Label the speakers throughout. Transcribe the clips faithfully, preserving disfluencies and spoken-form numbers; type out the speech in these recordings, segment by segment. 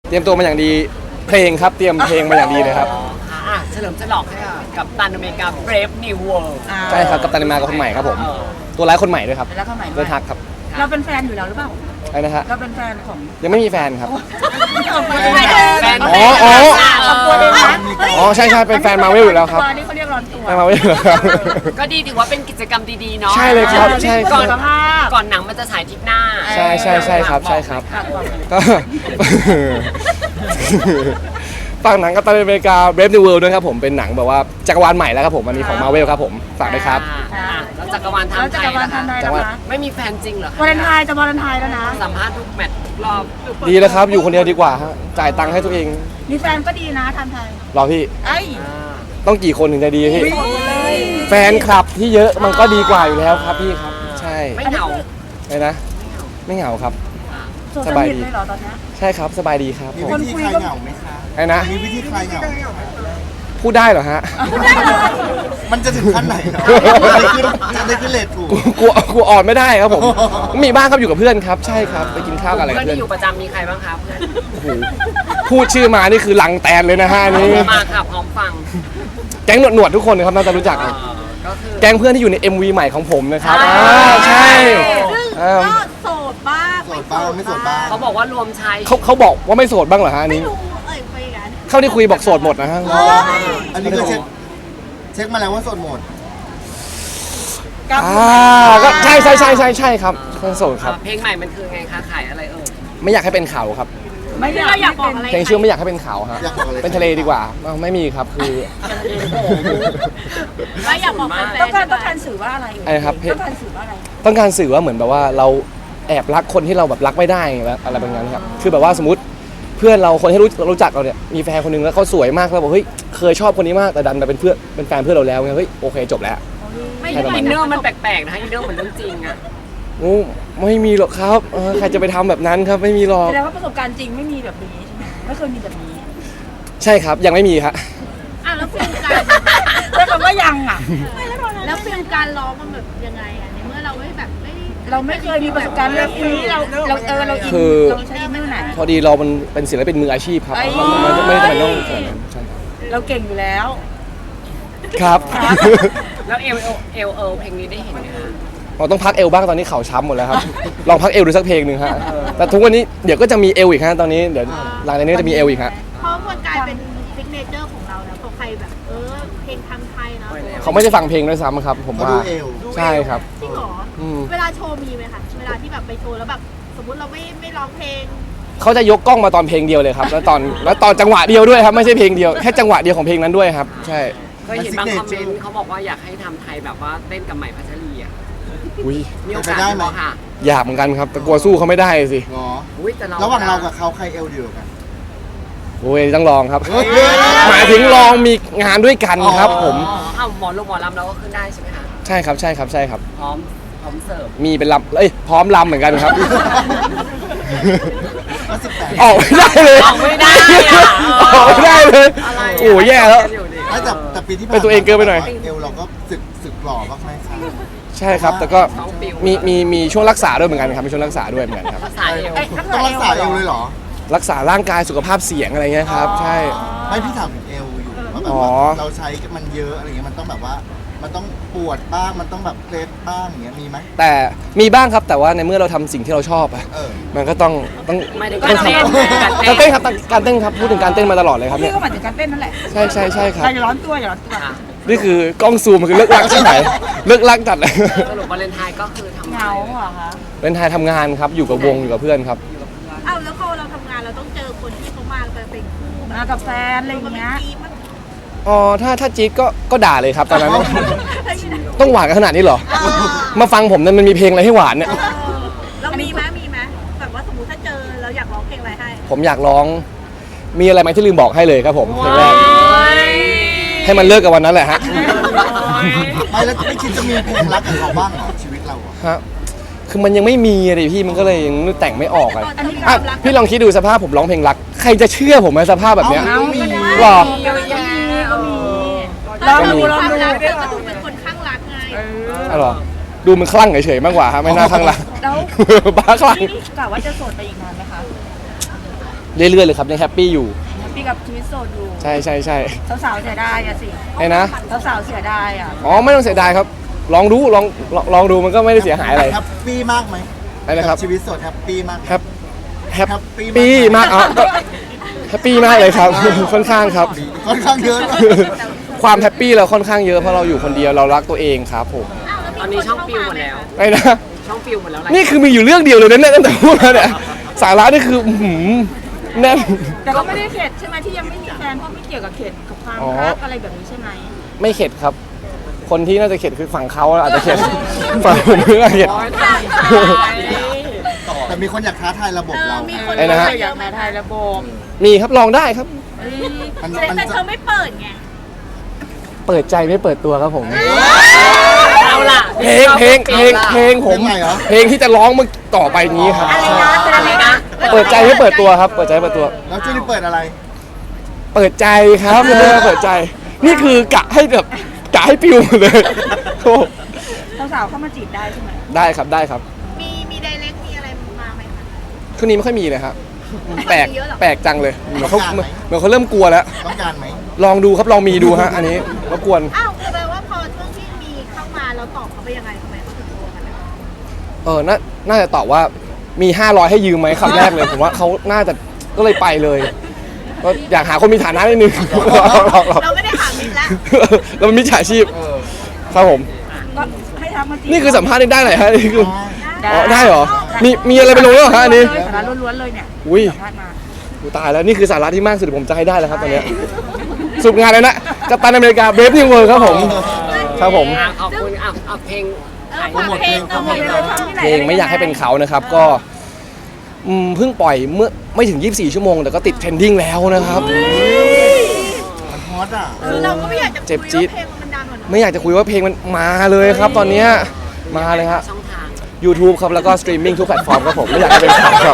Speaker 1: เตรียมตัวมาอย่างดีเพลงครับเตรียมเพลงมาอย่างดีเลยครับ
Speaker 2: อ่ะเฉลิมฉลองให้กับตันอเมริกา Brave New World
Speaker 1: ใช่ครับกัปตันอเมริกาคนใหม่ครับผมตัวร้ายคนใหม่ด้วยครับ
Speaker 3: แล้วก็ใหม่
Speaker 1: ด้วยทักครับ
Speaker 3: เราเป็นแฟนอยู่แล้วหรือเปล่า
Speaker 1: อะไรนะฮะ
Speaker 3: เราเป็นแฟนของ
Speaker 1: ยังไม่มีแฟนครับ
Speaker 3: แฟน
Speaker 1: อ๋ออ๋อ
Speaker 3: ตัวเองนะ
Speaker 1: อ๋อใช่ใช่เป็นแฟนมาเวลอยู่แล้วครับ
Speaker 3: นี่เขาเรียกร้อนตัว
Speaker 1: แฟนมาเวลอยู่แล้วครับ
Speaker 2: ก็ดีถือว่าเป็นกิจกรรมดีๆเนาะ
Speaker 1: ใช่เลยครับใช่ค
Speaker 2: ก่
Speaker 1: รั
Speaker 2: อบ นก่อนหนังมันจะฉายทริปหน้า
Speaker 1: ใช่ใช่ใช่ครับใช่ครับก็ฝากหนังกัปตันอเมริกา Brave New World ด้วยครับผมเป็นหนังแบบว่าจักรวาลใหม่แล้วครับผมอันนี้ของมาเวลครับผมฝากด้วยครับ
Speaker 2: อ่าแล้วจักรวาลทาง
Speaker 3: แล้ว
Speaker 2: ไท
Speaker 3: จั
Speaker 2: ย
Speaker 3: กรวาล
Speaker 2: นะ
Speaker 3: ทั
Speaker 2: คะ
Speaker 3: นใด
Speaker 1: จั
Speaker 3: แล้
Speaker 1: กร
Speaker 3: ว
Speaker 1: วาล
Speaker 3: นะ
Speaker 2: ไม่มีแฟนจริงเหรอคะ
Speaker 3: วาเลนไทน์จะวาเลนไทน์แล้วนะ
Speaker 2: สัมภาษณ์ทุกแมตช์ทุกรอบ
Speaker 1: ดีแล้วครับอยู่คนเดียวดีกว่าฮะจ่ายตังค์ให้ตัวเอง
Speaker 3: มีแฟนก็ดีนะทันไทย
Speaker 1: รอพี่
Speaker 3: ไอ้
Speaker 2: อ่า
Speaker 1: ต้องกี่คนถึงจะดีพี่
Speaker 3: เลย
Speaker 1: แฟนคลับที่เยอะมันก็ดีกว่าอยู่แล้วครับพี่ครับใช่
Speaker 2: ไม่เหงา
Speaker 1: ไงนะไม่เหงาครับ
Speaker 3: โสดสนิทเลยเหรอตอนนี้
Speaker 1: ใช่ครับสบายดีครับ
Speaker 4: มี
Speaker 1: ผม
Speaker 4: วิธีคลายเหงาไหมคะ
Speaker 1: ไงนะ
Speaker 4: มีวิธีคลายเหงาไหมคะ
Speaker 1: พูดได้เหรอฮะ
Speaker 4: มันจะถึงขั้นไหนเนาะจะได้ขึ้นเลทถูก
Speaker 1: กูกลัวกลัวอ่อนไม่ได้ครับผมมีบ้างครับอยู่กับเพื่อนครับใช่ครับไปกินข้าวกันอะไรกับ
Speaker 2: เพื่อน
Speaker 1: เพื่อน
Speaker 2: ที่อยู่ประจำมีใครบ้างคะเพื่อน
Speaker 1: โอ้โหพูดชื่อมานี่คือลังแตนเลยนะฮะนี่
Speaker 2: มาค่ะพร้อมฟัง
Speaker 1: แก๊งหนวดหนวดๆทุกคนนะครับน่าจะรู้จัก
Speaker 2: เอ
Speaker 1: นะ
Speaker 2: อก็คือ
Speaker 1: แก๊งเพื่อนที่อยู่ใน เอ็ม วี ใหม่ของผมนะครับ
Speaker 2: อ่า
Speaker 1: อ่าใช่
Speaker 3: ซึ่ง
Speaker 1: อ่า
Speaker 3: ก็โสดบ้าง
Speaker 4: โสดบ้างไม่โสดบ้าง
Speaker 2: เขาบอกว่ารวมชาย
Speaker 1: เขาเขาบอกว่าไม่โสดบ้างเหรอฮะอัน
Speaker 3: ไม่
Speaker 1: นี้
Speaker 3: รู้เอ่ยไปกัน
Speaker 1: เข้าที่คุยบอกโสดหมดนะฮะ
Speaker 4: อันนี้คือเช็คเช็คมาแล้วว่าโสดหมด
Speaker 1: อ่าก็ใช่ใช่ใช่ใช่ใช่ครับเป็นโสดครับ
Speaker 2: เพลงใหม่มันคือไงคะขายอะไรเอ่ย
Speaker 1: ไม่อยากให้เป็นข่าวครับ
Speaker 3: ไม่ได้เราอยากบอกอะไร
Speaker 1: เพลงชื่อไม่อยากให้เป็นข่าวฮะ
Speaker 4: อยากบอกอะไร
Speaker 1: เป็นทะเลดีกว่าอ้าวไม่มีครับคือ
Speaker 3: เราอยากบอกต้องการต้องการสื่อว่าอะไร
Speaker 1: อะไรครับ
Speaker 3: ต้องการสื่อว่าอะไร
Speaker 1: ต้องการสื่อว่าเหมือนแบบว่าเราแอบรักคนที่เราแบบรักไม่ได้อะไรแบบนั้นครับคือแบบว่าสมมติเพื่อนเราคนที่รู้รู้จักเราเนี่ยมีแฟนคนหนึงแล้วเขาสวยมากแล้วบอกเฮ้ยเคยชอบคนนี้มากแต่ดันมาเป็นเพื่อนเป็นแฟนเพื่อนเราแล้วไงเฮ้ยโอเคจบแล้ว
Speaker 2: ไม่
Speaker 1: ใช่ประมาณ
Speaker 2: อินเนอร์มันแปลกๆนะคะอินเนอร์เหมือนเรื่องจริงอะ
Speaker 1: โอ้ไม่มีหรอกครับเออใครจะไปทำแบบนั้นครับไม่มีหรอก
Speaker 3: แสดงว่าประสบการณ์จริงไม่มีแบบนี้ใช่ไหมไม่เคยมีแบบนี้
Speaker 1: ใช่ครับยังไม่มีครับ
Speaker 5: อ่ะแล้วฟิลการ
Speaker 3: ใช้คำว่ายังอ่ะ
Speaker 5: แล้วฟิลการร้องมันแบบยังไงอ่ะในเมื่อเราไม่แบบไม่
Speaker 3: เราไม่เคยมีประสบการณ์เรื่องนี้เราเราเออเราอิน
Speaker 1: คือ
Speaker 3: เราใช้อินเนอร์ไหน
Speaker 1: พอดีเรามันเป็นศิลปินมืออาชีพครับ
Speaker 3: ไอ้
Speaker 1: มันไม่ไม่จำเป็นต้องขนาดนั้นใช่ครับ
Speaker 3: เราเก่งอยู่แล้ว
Speaker 1: ครับ
Speaker 2: แล้วเอลเอลเอลเอลเพลงนี้ได้เห็นไหมคะ
Speaker 1: เราต้องพักเอวบ้างตอนนี้เข่าช้ำหมดแล้วครับ ลองพักเอวดูสักเพลงหนึ่งฮะแต่ทุกวันนี้เดี๋ยวก็จะมีเอวอีกฮะตอนนี้เดี๋ยวหลังจากนี้จะมีเอวอีกฮะ
Speaker 5: เพราะมันกลายเป็นซิกเนเจอร์ของเราแล้วพอใครแบบเออเพลงทางไทยเนาะ
Speaker 1: เขาไม่ได้ฟังเพลงด้วยซ้ำครับ ผม
Speaker 4: เขา
Speaker 1: ว่า
Speaker 4: ดูเอว
Speaker 1: ใช่ครับ
Speaker 5: จริงเหรอ
Speaker 1: อืม
Speaker 5: เวลาโชว์มีไหมคะเวลาที่แบบไปโชว์แล้วแบบสมมติเราไม่ไม่ร้องเพลง
Speaker 1: เขาจะยกกล้องมาตอนเพลงเดียวเลยครับ แล้วตอนแล้วตอนจังหวะเดียวด้วยครับไม่ใช่เพลงเดียวแค่จังหวะเดียวของเพลงนั้นด้วยครับ ใช่
Speaker 2: เคยเห็นบางคอมเมนต์เขาบอกว่าอยากให้ทำไทยแบบว่าเต้นกับใหม่พัชรีอ่ะ
Speaker 1: อุ้ย
Speaker 2: มีโอกาสไหมค่ะ
Speaker 1: อยากเหมือนกันครับแต่กลัวสู้เขาไม่ได้สิ
Speaker 4: เหรอ
Speaker 2: อุ้ยแต่เรา
Speaker 4: ระหว่างเรากับเขาใครเอวเดียวกัน
Speaker 1: โอ้ยต้องลองครับ
Speaker 4: เฮ้ย
Speaker 1: หมายถึงลองมีงานด้วยกันครับ ผม
Speaker 2: อ๋อเอาหมอลูกหมอลำเราก็ขึ้นได้ใช่ไหมคะ
Speaker 1: ใช่ครับใช่ครับใช่ครับ
Speaker 2: พร้อมพร้อมเสิร์ฟ
Speaker 1: มีเป็นลำเอ้ยพร้อมลำเหมือนกันครับ
Speaker 4: ก็สิบแปด
Speaker 1: ออกไม่ได้เลย
Speaker 2: ออกไม่ได้อะ
Speaker 1: ออกไม่ได้เลย
Speaker 2: อะไระ
Speaker 1: โอ้แย่แล้ว
Speaker 4: ไม่แต่แต่ปีที่ผ่าน
Speaker 1: เป็นตัวเองเกินไปหน่อย
Speaker 4: เอวเราก็สึกสึกหล่อมากไหมคะ
Speaker 1: ใช่ครับ แต่ก็
Speaker 2: ท้องปิว
Speaker 1: มีมีมีช่วงรักษาด้วยเหมือนกันครับมีช่วงรักษาด้วยเหมือนกันครับ
Speaker 2: สายเอว
Speaker 3: เอ้ยถ้า
Speaker 4: ต้อง
Speaker 3: เกิด
Speaker 4: รักษาเอวเลยเหรอ
Speaker 1: รักษาร่างกายสุขภาพเสียงอะไรเงี้ยครับ ใช่
Speaker 4: ไม่พี่ถามถึงเอวอยู่ว่าแบบ
Speaker 1: อ๋อ
Speaker 4: ว่าเราใช้มันเยอะอะไรเงี้ยมันต้องแบบว่า มันต้องปวดบ้างมันต้องแบบเคล็ดบ้างอย่างเงี้ยมีไหม
Speaker 1: แต่มีบ้างครับแต่ว่าในเมื่อเราทำสิ่งที่เราชอบอะ
Speaker 4: เออ
Speaker 1: มันก็ต้องต้อง
Speaker 2: ไม่ได้
Speaker 1: ต้อง
Speaker 2: การ
Speaker 1: ทำ
Speaker 2: เต้น
Speaker 1: การเต้นครับการเต้นครับพูดถึงการเต้นมาตลอดเลยครับ
Speaker 3: พี่
Speaker 1: เนี่ย
Speaker 3: ก็หมายถึงการเต้นนั่นแหละ
Speaker 1: ใช่ใช่ใช่ครับ
Speaker 3: อย่าร้อนตัวอย่าร้อนตัว
Speaker 2: ค่ะ
Speaker 1: นี่คือกล้องซูมมันคือเลิกลักใช่ไหมเลิกลักจัดเลย
Speaker 2: สรุปวาเลนไทน์ก็คือทำ
Speaker 3: เหงาเหรอคะ
Speaker 1: เป็นไทยทำงานครับอยู่กับวงอยู่กับเพื่อนครับ
Speaker 5: อ้าวแล้วพอเราทำงานเราต้องเจอคนที่เขามาเป็นคู่
Speaker 3: มากับแฟนอะไรอย่างเงี้ย
Speaker 5: ทีมมัน
Speaker 1: อ๋อถ้าถ้าจี๊ดก็ก็ด่าเลยครับตอนนั้น
Speaker 5: เฮ้ย
Speaker 1: ต้องหวานกันขนาดนี้เหรอ มาฟังผมเนี่ยมันมีเพลงอะไรให้หวานเนี่ย
Speaker 5: เรามีไหมมีไหมแบบว่าสมมติถ้าเจอเราอยากร้องเพลงอะไรให้
Speaker 1: ผมอยากร้องมีอะไรไหมที่ลืมบอกให้เลยครับผมเพลงแรกให้มันเลิกกับวันนั้นแหละฮะ
Speaker 4: ไม่แล้วไม่คิดจะมีเพลงรักกับเขาบ้างเหรอชีวิตเราอะ
Speaker 1: ฮะคือมันยังไม่มีเลยพี่มันก็เลยยังแต่งไม่ออกอะ
Speaker 5: อันนี้
Speaker 1: อ่ะพี่ลองคิดดูสภาพผมร้องเพลงรักใครจะเชื่อผมในสภาพแบบเนี้ย
Speaker 3: เอาก็ได้
Speaker 1: หรอ
Speaker 3: ก็มีก็มี
Speaker 5: ล
Speaker 3: ล
Speaker 5: อ
Speaker 3: อง ง
Speaker 5: ดู
Speaker 3: ดู
Speaker 5: ล
Speaker 3: ล
Speaker 5: อ
Speaker 3: อง ง
Speaker 5: ดู
Speaker 3: ดู
Speaker 5: เดี๋ยวก็ดูเป็นคนข้างรักไง
Speaker 1: อ๋อเหรอดูมันคลั่งเฉยๆมากกว่าฮะไม่น่าคลั่งรัก
Speaker 3: แล้ว
Speaker 1: บ้าคลั่ง
Speaker 3: นี่กะว่าจะโสดไปอีกนานไหมคะ
Speaker 1: เรื่อยๆเลยครับยังแฮปปี้อยู่
Speaker 3: พี่กับชีวิตโสดอยู่
Speaker 1: ใช่ใช่ใช่
Speaker 3: สาวๆเสียดายอะสิ
Speaker 1: ไอ้นะ
Speaker 3: สาวๆเสียดายอะ
Speaker 1: อ๋อไม่ต้องเสียดายครับ ลองดูลองลองลองดูมันก็ไม่ได้เสียหายอะไร
Speaker 4: แฮปปี้มากไหม
Speaker 1: อะไรนะครับ
Speaker 4: กัชีวิตโสดแฮปปี้มากไหม
Speaker 1: แฮปแฮป
Speaker 4: แฮปปี้
Speaker 1: ปี้มาก
Speaker 4: มาก
Speaker 1: อ่ะก็แฮปปี้มากเลยครับ ค่อนข้างครับ
Speaker 4: ค่อนข้างเยอะด้วย
Speaker 1: ความแฮปปี้เราค่อนข้างเยอะเพราะเราอยู่คนเดียวเรารักตัวเองครับผม
Speaker 5: อ้าวแล้วมี
Speaker 2: ตอนนี้
Speaker 5: ค
Speaker 2: ช่อง
Speaker 5: เข้า
Speaker 2: ฟิว
Speaker 5: มา
Speaker 2: หมด
Speaker 5: ไหม
Speaker 2: แล้ว
Speaker 5: คะ
Speaker 1: ไอ้นะ
Speaker 2: ช่องฟิวหมดแล้วอะไร
Speaker 1: นี่คือมีอยู่เรื่องเดียวเลยนะเนี่ยตั้งแต่พูดมาเนี่ยสาระนี่คืออื้อหือแน่น
Speaker 3: แต่ก็ไม่ได้เข็ดใช่ไหมที่ยังไม่มีแฟนเพราะไม่เกี่ยวกับเข็ดกับความ
Speaker 1: อ๋อ
Speaker 3: รักอะไรแบบนี้ใช่ไหม
Speaker 1: ไม่เข็ดครับ คนที่น่าจะเข็ดคือฝั่งเขาอาจจะเข็ด ฝั่งผมไม่น่าเข็ด
Speaker 2: โอ้ยตาย
Speaker 4: แต่มีคนอยากท้าทายระบบ
Speaker 5: เออ
Speaker 4: เรา
Speaker 5: มีคน
Speaker 1: ไอ้นะฮะ
Speaker 3: อยากมาถ่ายระบบ
Speaker 1: มีครับลองได้ครับ
Speaker 4: มัน
Speaker 5: แต่
Speaker 4: มัน
Speaker 5: แต่เธอไม่เปิดไง
Speaker 1: เปิดใจไม่เปิดตัวครับผม
Speaker 2: เอาล่ะ
Speaker 1: เพลงเพลงเพลงเพลงผม
Speaker 4: เพลงใหม่เหรอ
Speaker 1: เพลงที่จะร้องมันต่อไปนี้ครับ
Speaker 3: อะไรนะเป็นอะไรนะ
Speaker 1: เปิดใจไม่เปิดตัวครับ เปิดใจไม่เปิดตัว
Speaker 4: แล้วจูนี่เปิดอะไร
Speaker 1: เปิดใจครับไม่ได้เปิดใจ นี่คือกะให้แบบกะให้ปิวหมดเลยโอ้
Speaker 3: สาวๆเข้ามาจีบได้ใช่ไหม
Speaker 1: ได้ครับได้ครับ
Speaker 5: มีมีไดเรกมีอะไรมาไหมคะ
Speaker 1: ช่วงนี้ไม่ค่อยมีเลยครับแปลก
Speaker 5: เยอะเหรอ
Speaker 1: แปลกจังเลยเหมือนเขา
Speaker 4: ต้องการไหม
Speaker 1: เหมือนเขาเริ่มกลัวแล้ว
Speaker 4: ต้องการไหม
Speaker 1: ลองดูครับลองมีดูฮะอันนี้รบกวน
Speaker 5: อ้าวแปลว่าพอช่วงที่มีเข้ามาเราตอบเขาไปยังไงทำไมเขาถึงกลัวกันนะ
Speaker 1: เออน่าน่าจะตอบว่ามีห้าร้อยให้ยืมไหมคำแรกเลย ผมว่าเขาน่าจะก็เลยไปเลยก็อยากหาคนมีฐานะนิดนึง
Speaker 5: เราไม่ได้หามิตรแล้ว
Speaker 1: เราเป็นมิจฉาชีพ
Speaker 4: เออ
Speaker 1: ครับผม
Speaker 3: ก็ให้ทักมาจีบ
Speaker 1: นี่คือสัมภาษณ์ได้ไหนฮะนี่คือ
Speaker 3: ได้
Speaker 1: อ๋อได้เหรอมีมีอะไรไปลงด้วยเหรอฮะอันนี้
Speaker 3: สาระล้วนๆเลยเนี่ย
Speaker 1: อุ้ย
Speaker 3: สัมภาษณ์มา
Speaker 1: กูตายแล้วนี่คือสาระที่มากสุดที่ผมจะให้ได้แล้วครับตอนเนี้ยสรุปงานเลยนะกัปตันอเมริกาเบรฟนิวเวิร์ครับผมครับผม
Speaker 2: อ่ะขอบคุณอ่ะเอาเพลง
Speaker 5: เออฝากเพลง
Speaker 4: โปรโมทเพลง
Speaker 5: เออ
Speaker 1: เพลงไม่อยากให้เป็นเขานะครับก็อืมเพิ่งปล่อยเมื่อไม่ถึงยี่สิบสี่ชั่วโมงแต่ก็ติดเทรนดิ้งแล้วนะครับ
Speaker 4: มันฮอตอ่ะ
Speaker 5: คือเราก็ไม่อยากจะ
Speaker 1: เจ็บ
Speaker 5: คุย
Speaker 1: จี๊ด
Speaker 5: ว่าเพลงมันดังกว่าเนอะ
Speaker 1: ไม่อยากจะคุยว่าเพลงมันมาเลยครับ ตอนเนี้ยมาเลยฮะ
Speaker 2: ช่องทาง
Speaker 1: YouTube ครับแล้วก็สตรีมมิ่งทุกแพลตฟอร์มครับผมไม่อยากให้เป็นเขาครับ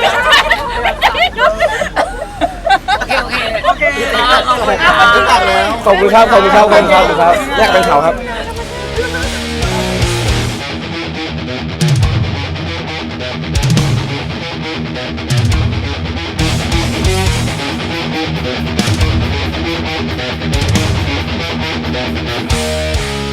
Speaker 2: โอเคโอเคโอเคขอบคุณค่ะ
Speaker 4: รู้จักแล้ว
Speaker 1: ขอบคุณครับขอบคุณครับขอบคุณครับขอบคุณครับอยากเป็นเขาครับ
Speaker 6: We'll be right back.